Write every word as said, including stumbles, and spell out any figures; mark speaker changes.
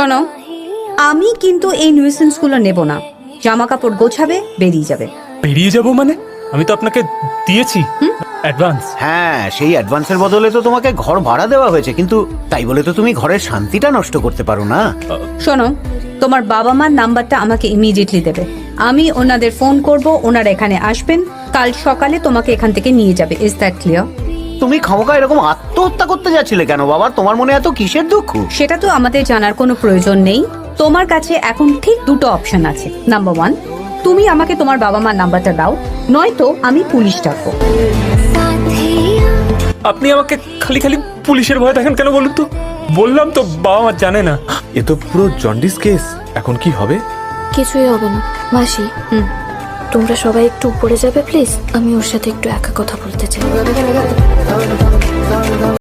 Speaker 1: শোনো, আমি কিন্তু এই নিউসেন্স গুলো নেব না। জামা কাপড় গোছাবে, বেরিয়ে যাবে।
Speaker 2: বেরিয়ে যাব মানে? আমি তো আপনাকে দিয়েছি অ্যাডভান্স।
Speaker 3: হ্যাঁ, সেই অ্যাডভান্সের বদলে তো তোমাকে ঘর ভাড়া দেওয়া হয়েছে, কিন্তু তাই বলে তো তুমি ঘরের শান্তিটা নষ্ট করতে পারো না।
Speaker 1: শোনো, তোমার বাবা মার নাম্বারটা আমাকে ইমিডিয়েটলি দেবে। আমি ওনাদের ফোন করব, ওনারা এখানে আসবেন, কাল সকালে তোমাকে এখান থেকে নিয়ে যাবে। Is that clear?
Speaker 3: তুমি খামোকা এরকম আত্মহত্যা করতে যাচ্ছিলে কেন বাবা? তোমার মনে এত কিসের দুঃখ?
Speaker 1: সেটা তো আমাদের জানার কোনো প্রয়োজন নেই। তোমার কাছে এখন ঠিক দুটো অপশন আছে। নাম্বার ওয়ান, তুমি আমাকে তোমার বাবা মার নাম্বারটা দাও, নয়তো আমি পুলিশ ডাকবো।
Speaker 2: আপনি আমাকে খালি খালি পুলিশের ভয় দেখেন কেন বলুন তো? বললাম তো বাবা মা জানে না।
Speaker 4: এ তো পুরো জন্ডিস কেস। এখন কি হবে?
Speaker 5: কিছুই হবে না মাসি।
Speaker 1: হুম,
Speaker 5: তোমরা সবাই একটু উপরে যাবে প্লিজ, আমি ওর সাথে একটু একা কথা বলতে চাই।